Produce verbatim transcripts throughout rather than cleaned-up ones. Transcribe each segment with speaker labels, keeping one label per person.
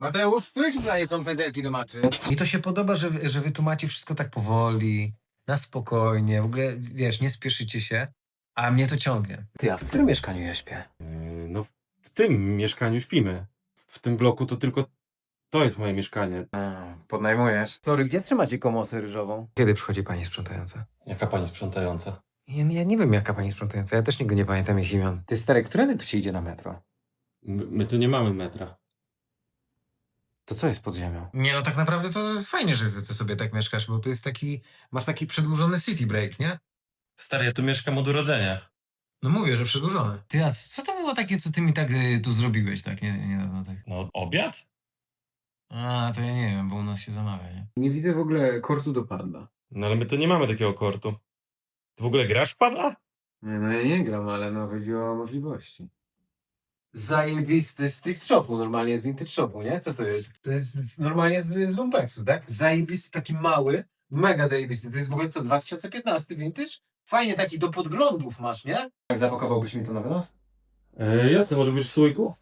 Speaker 1: Mateusz, któryś daje są pędzelki do maczy?
Speaker 2: Mi to się podoba, że, że wy tu macie wszystko tak powoli, na spokojnie, w ogóle, wiesz, nie spieszycie się, a mnie to ciągnie. Ty, a w którym mieszkaniu ja śpię?
Speaker 3: Yy, no w, w tym mieszkaniu śpimy. W tym bloku to tylko to jest moje mieszkanie.
Speaker 2: A, podnajmujesz?
Speaker 1: Sorry, gdzie trzymacie komosę ryżową?
Speaker 2: Kiedy przychodzi pani sprzątająca?
Speaker 3: Jaka pani sprzątająca?
Speaker 2: Ja, ja nie wiem, jaka pani sprzątająca, ja też nigdy nie pamiętam ich imion.
Speaker 1: Ty stary, którędy tu się idzie na metro?
Speaker 3: My, my tu nie mamy metra.
Speaker 1: To co jest pod ziemią?
Speaker 2: Nie, no tak naprawdę to jest fajnie, że ty, ty sobie tak mieszkasz, bo to jest taki, masz taki przedłużony city break, nie?
Speaker 3: Stary, ja tu mieszkam od urodzenia.
Speaker 2: No mówię, że przedłużony. Ty, a co to było takie, co ty mi tak y, tu zrobiłeś, tak, nie, niedawno tak?
Speaker 3: No, obiad?
Speaker 2: A, to ja nie wiem, bo u nas się zamawia, nie?
Speaker 1: Nie widzę w ogóle kortu do padla.
Speaker 3: No ale my tu nie mamy takiego kortu. Ty w ogóle grasz w padla?
Speaker 1: Nie, no ja nie gram, ale no chodzi o możliwości. Zajebisty z tych shopu, normalnie z vintage shopu, nie? Co to jest? To jest normalnie z, z lumpeksu, tak? Zajebisty, taki mały, mega zajebisty. To jest w ogóle co, dwa tysiące piętnasty vintage? Fajnie taki do podglądów masz, nie? Jak zapakowałbyś mi to na wynos?
Speaker 3: E, jasne, może być w słoiku?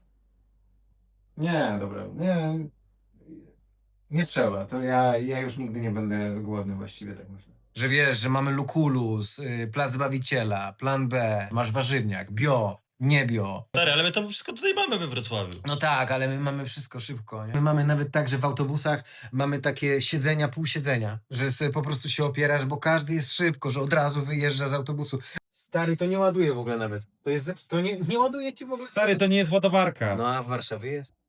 Speaker 1: Nie, dobra, nie. Nie trzeba, to ja, ja już nigdy nie będę głodny właściwie, tak myślę.
Speaker 2: Że wiesz, że mamy Lukulus, y, Plac Zbawiciela, Plan B, masz warzywniak, bio, nie bio.
Speaker 3: Stary, ale my to wszystko tutaj mamy we Wrocławiu.
Speaker 2: No tak, ale my mamy wszystko szybko, nie? My mamy nawet tak, że w autobusach mamy takie siedzenia, pół siedzenia, że sobie po prostu się opierasz, bo każdy jest szybko, że od razu wyjeżdża z autobusu.
Speaker 1: Stary, to nie ładuje w ogóle nawet. To jest, to nie, nie ładuje ci w ogóle.
Speaker 3: Stary, to nie jest ładowarka.
Speaker 1: No a w Warszawie jest.